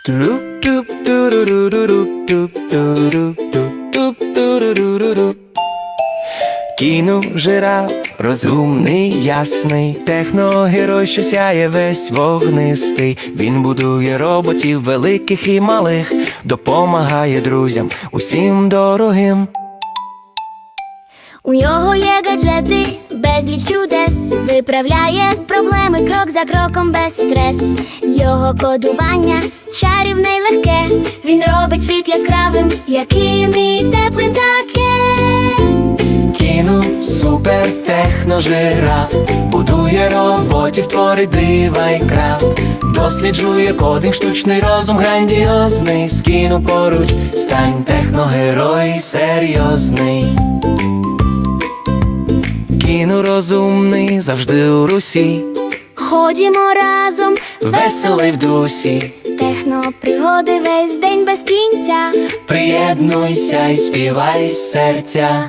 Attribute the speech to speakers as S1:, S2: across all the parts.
S1: Кіно-жираф розумний, ясний, техногерой, що сяє весь вогнистий. Він будує роботів великих і малих, допомагає друзям усім дорогим.
S2: У нього є гаджети, безліч чудес, виправляє проблеми крок за кроком без стрес. Його кодування чарівне й легке, він робить світ яскравим, яким і теплим таке.
S1: Супер техножираф будує роботів, творить дива й крафт, досліджує кодинг, штучний розум грандіозний. З кіно поруч стань техногерой серйозний. Кіно розумний, завжди у русі,
S2: Ходімо разом,
S1: веселий в дусі.
S2: технопригоди весь день без кінця.
S1: Приєднуйся й співай з серця.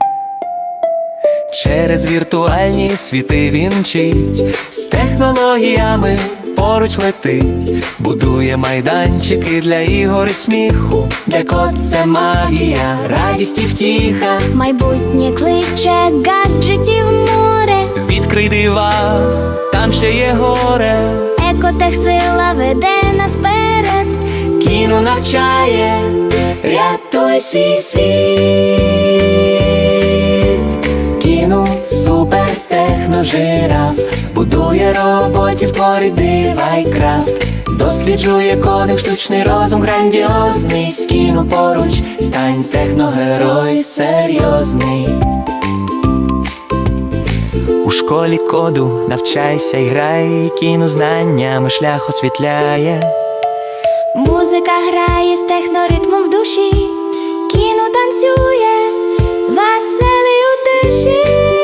S1: Через віртуальні світи він мчить, з технологіями поруч летить, будує майданчики для ігор і сміху, де код – це магія, радість і втіха.
S2: Майбутнє кличе гаджетів море,
S1: Відкрий дива, там ще є горе.
S2: екотехсила веде нас вперед.
S1: Кіно навчає, рятуй свій світ. Кіно супер техножираф будує роботів, творить дива й крафт, досліджує кодинг, штучний розум грандіозний. З кіно поруч стань техногерой серйозний. У школі коду навчайся й грай, кіно знаннями шлях освітляє.
S2: Музика грає з техноритмом в душі, кіно танцює, веселий у тиші.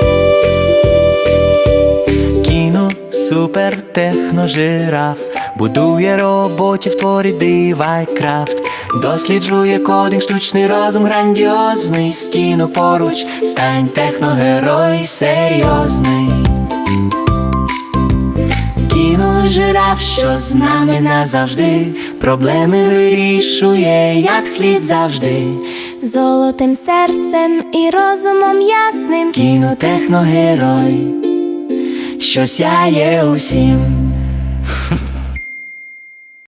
S1: Кіно супер техножираф будує роботів, творить дива й крафт, досліджує кодинг, штучний розум грандіозний. З кіно поруч стань техногерой серйозний. Кіно-жираф, що з нами назавжди, проблеми вирішує як слід завжди.
S2: Золотим серцем і розумом ясним,
S1: Кіно-техногерой, що сяє усім.